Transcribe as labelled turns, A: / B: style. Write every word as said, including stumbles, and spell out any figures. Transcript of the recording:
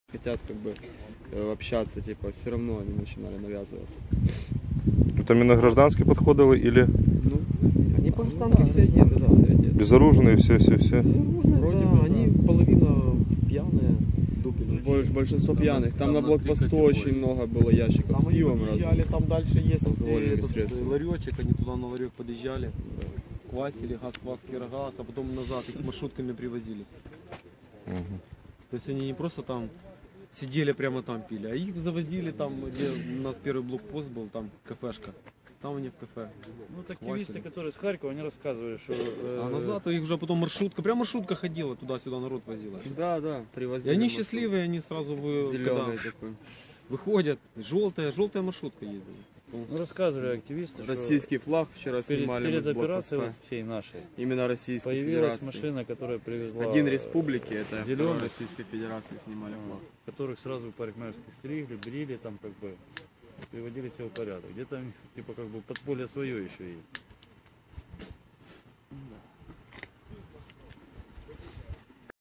A: хотят как бы э, общаться, типа, все равно они начинали навязываться.
B: Это именно гражданские подходили или
A: Ну, они по гражданке все одеты, да, все одеты.
B: безоружные, все-все-все?
A: Безоружные,
C: Вроде
A: да,
C: бы,
A: они
C: да.
A: половина пьяные, дупели.
C: Больш-
A: Большинство
C: Там
A: пьяных.
C: на-
A: Там
C: там
A: на
C: на
A: блокпосту
C: три
A: очень
C: категории.
A: много было ящиков
C: Там
A: с
C: они
A: пивом
C: подъезжали,
A: разным.
C: там дальше есть
A: алкогольными
C: этот,
A: средствами.
C: ларечек, они туда на ларек подъезжали, квасили газ, квас, кирогаз, а потом назад их маршрутками привозили.
B: Мгм.
C: То есть они не просто там сидели прямо там пили, а их завозили там, где у нас первый блокпост был, там кафешка. Там они в кафе.
D: Ну, вот активисты,
C: Квасили.
D: которые с Харькова, они рассказывали, что... э,
C: А назад их уже потом маршрутка, прям маршрутка ходила, туда-сюда народ возила.
A: Да, да,
C: И
A: привозили.
C: они
A: маршрут.
C: счастливые, они сразу вы,
A: Зеленый
C: когда
A: такой.
C: выходят, желтая, желтая маршрутка ездила.
D: Ну, рассказывали активисты, что
A: Российский флаг вчера
D: перед,
A: снимали мы
D: перед
A: с
D: операцией
A: блокпоста.
D: всей нашей
A: Именно Российской
D: появилась
A: Федерации.
D: машина, которая привезла...
A: Один республики, это
D: зеленый.
A: второй Российской Федерации снимали флаг.
D: Которых сразу парикмахерских стригли, брили, там как бы приводили себя в порядок. Где-то у них, типа как бы подполье свое еще есть.